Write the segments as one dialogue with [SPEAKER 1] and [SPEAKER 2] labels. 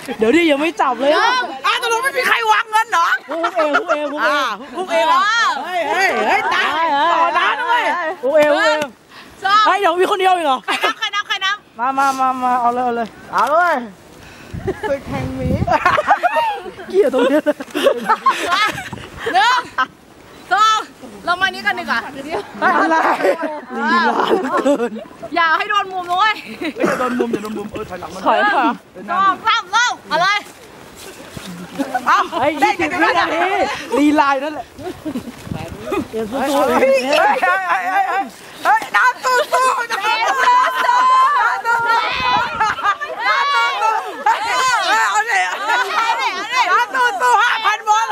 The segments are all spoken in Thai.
[SPEAKER 1] เดี๋ยวดิยังไม่จับเลย
[SPEAKER 2] ตกลงไม่มีใครวางเงินเหรอ
[SPEAKER 1] พุกเองเฮ้ยตายต่อร้านด้วยพุกเองเฮ้ยเดี๋ยวมีคนเดียวอีกเหรอ
[SPEAKER 2] ใครนับ
[SPEAKER 1] มาเอาเลย
[SPEAKER 2] ไปแข่งหมี
[SPEAKER 1] เกี่ยวตรงนี้เลย
[SPEAKER 2] 1 2เรามานี้กันดีกว่า
[SPEAKER 1] อะไรลีลาเกิน
[SPEAKER 2] อย่าให้โดนมุมด้วย
[SPEAKER 1] อย่าโดนมุมถอยหลังมา
[SPEAKER 2] ถอยค่ะ2 3เริ่มอะไร
[SPEAKER 1] เฮ้ย20 วินาทีลีลานั่นแหละเดี๋ยวสู้
[SPEAKER 2] น้ำสู้5,000 บอล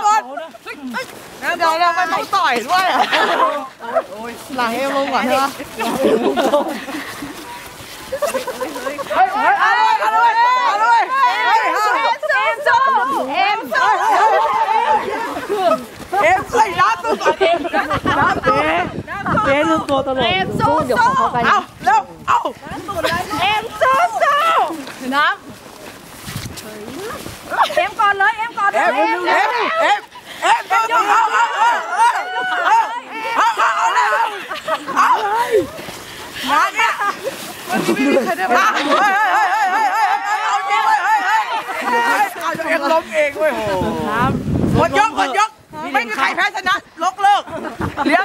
[SPEAKER 2] เดี๋ยวเราไปต่อยด้วยหลังเอวลงก่อนใช่ไหมเอาเลยเอ็มใส่น้ำตัวก่อน
[SPEAKER 1] เจ๊ลืมตัวตลอด
[SPEAKER 2] สู้เดี๋ยวขอเขากันเอาเร็วเอาเอ็มสู้น้ำเอ็มก่อนเลยเอ็มตัวเอามาเนี่ยวันนี้ไม่มีใครได้มาเอาเองล้มเองเว้ยหมดยกไม่มีใครแพ้ชนะเลิก